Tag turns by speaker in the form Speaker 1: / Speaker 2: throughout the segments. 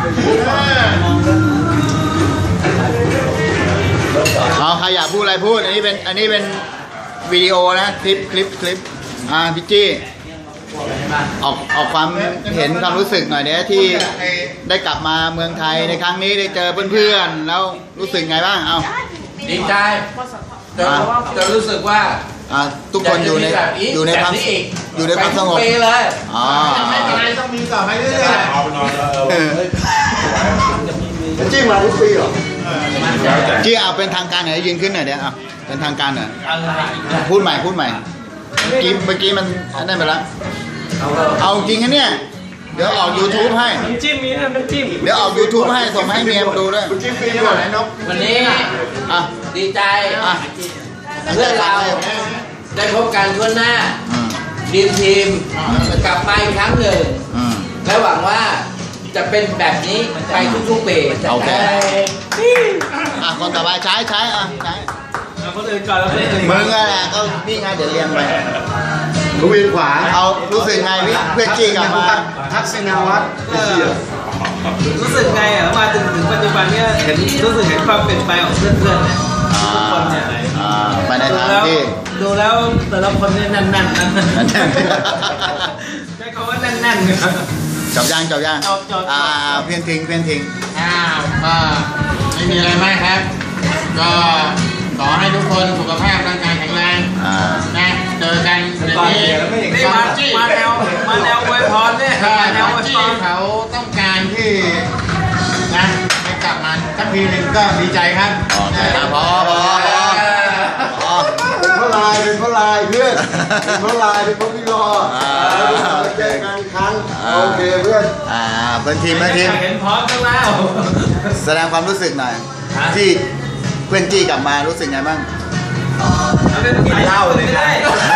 Speaker 1: เอาใครอยากพูดอะไรพูดอันนี้เป็นวิดีโอนะคลิปพี่จี้ออกความเห็นความรู้สึกหน่อยเนี่ยที่ได้กลับมาเมืองไทยในครั้งนี้ได้เจอเพื่อนๆแล้วรู้สึกไงบ้างเอา
Speaker 2: ดีใจจะรู้สึกว่า
Speaker 1: ทุกคนอยู่ในความสงบ
Speaker 2: เลย
Speaker 3: ไม่เป็นไรต้องมีต่อไปเรื่อยๆเอาไปนอนจี้มาทุกปีเหรอ
Speaker 1: จี้เอาเป็นทางการหน่อยยืนขึ้นหน่อยเดี๋ยวเอาเป็นทางการหน่อยพูดใหม่เมื่อกี้มันได้ไปแล้วเอาจริงนะเนี่ยเดี๋ยวออก YouTube ให้
Speaker 4: น้ำจิ้มมีน้ำจิ้ม
Speaker 1: เดี๋ยวออก YouTube ให้ส่งให้เมียมาดูด้วย
Speaker 3: จิ้มฟรีหมดเลยนก
Speaker 2: วันนี้ดีใจเพื่อนเราได้พบกันทั่วหน้าทีมกลับมาอีกครั้งหนึ่งและหวังว่าจะเป็นแบบนี้ไปทุกๆปี
Speaker 1: โอเคคนต่อไปใช้
Speaker 4: คนอื่นก่อนแล้ว
Speaker 1: มึงอะไรก็นี่ไงเดี๋ยวเรียงไป
Speaker 3: กูวินขวา
Speaker 1: เอารู้สึกไงเพื่อนจี้กลับมา
Speaker 3: ทักษิณวัฒน์
Speaker 4: รู้สึกไงมาถึงปัจจุบันเนี่ยรู้สึกเห็นความเปลี่ยนแปลงของเพื่อนๆเนี่ยทุกคนเนี่ย
Speaker 1: ไปในทางที่
Speaker 4: ดูแล้วแต่ละคนเนี่ยแน่นใช้คำว่าแน่น
Speaker 1: จบยังเพี้ยนทิ้ง
Speaker 2: ก็ไม่มีอะไรมากครับก็ขอให้ทุกคนสุขภาพร่างกายแข็งแรงนะเจอกันอย่างนี้
Speaker 4: มาแนวอวยพรเนี่ย
Speaker 2: แนวที่เขาต้องการที่นะให้กลับมาสักทีหนึ่งก็ดีใจครับ
Speaker 1: พอ
Speaker 3: เป็นเพราะลายเพื่อนเป็นเพราะลายเป็นเพราะพี่รอเจอกันครั้งโอเคเพื่อน
Speaker 1: เป็นทีม
Speaker 4: เห็นพร้อมกันแล้ว
Speaker 1: แสดงความรู้สึกหน่อยที่เพื่อนจี้กลับมารู้สึกไงบ้าง
Speaker 4: กินเหล้าเลยได้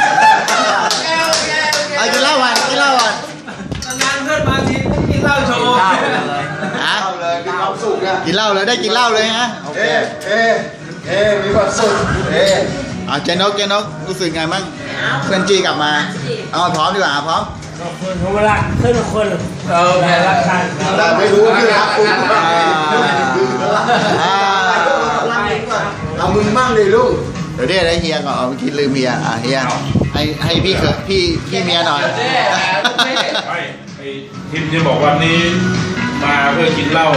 Speaker 1: กินเหล้าวัน
Speaker 4: นานเพื่อนมาทีกินเหล้าโชว์
Speaker 3: เลยมีความสุขอะ
Speaker 1: กินเหล้าเลยได้กินเหล้าเลยฮะโอเค
Speaker 3: มีความสุข
Speaker 1: เจนกรู้สึกไงบ้างเพื่อนจี้กลับมาพร้อมดีกว่าพร้อม
Speaker 4: ขอบคุณทุกรักทุกคนรักกัน
Speaker 3: แต่ไม่รู้ที่รักคุณเอามึงมั่งเลยลูก
Speaker 1: เดี๋ยวได้เฮียก่อนเมื่อกี้ลืมเฮียเฮียให้พี่เมียหน่อย
Speaker 5: ทีมจะบอกวันนี้มาเพื่อกินเหล้า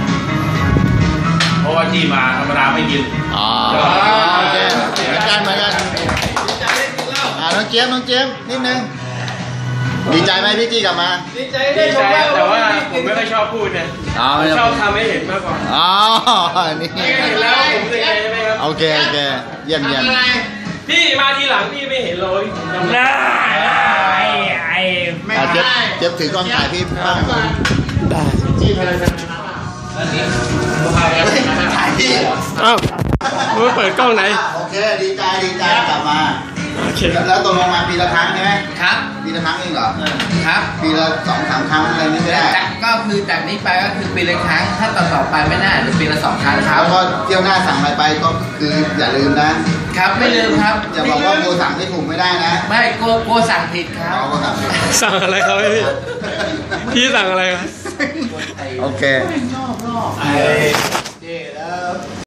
Speaker 5: เพราะว่าที่มาธรรมดาไม่กิน
Speaker 1: โอเคเหมือนกันน้องเจี๊ยบนิดนึงดีใจไหมพี่จี้กลับมา
Speaker 4: ดีใจแต่ว่า
Speaker 5: ผมไม่ค่อยชอบพูดเนี่ยชอบทำให้เห็นมากกว่า
Speaker 1: นี่
Speaker 5: เห็นแล้วผมรู้สึกไงใช่ไหมครับ
Speaker 1: โอเคเยี่ยม
Speaker 4: พี่มาทีหลังพี่ไม่เห็นเลย
Speaker 1: เจ็บถือกล้องถ่ายพี่บ้าง
Speaker 5: ได้จี้พลังงาน
Speaker 1: ถ่ายพี่
Speaker 4: มึงเปิดกล้องไหน
Speaker 1: โอเคดีใจกลับมาแล้วตกลงมาปีละครั้งใช่ไหม
Speaker 2: ครับ
Speaker 1: ปีละครั้งเองเหรอ
Speaker 2: ครับ
Speaker 1: ปีละ2-3 ครั้งอะไรนี่ไม่ได้
Speaker 2: ก็คือจากนี้ไปก็คือปีละครั้งถ้าต่อไปไม่น่าจะปีละ2 ครั้งครับ
Speaker 1: แล้วก็เที่ยวหน้าสั่งอะไรไปก็คืออย่าลืมนะครับ
Speaker 2: ไม่ลืมครับ
Speaker 1: อย่าบอกว่าโกสั่งไม่ถูกไม่ได้นะ
Speaker 2: ไม่โกสั่งผิดครับ
Speaker 4: สั่งอะไรครับพี่สั่งอะไรครับ
Speaker 1: โอเค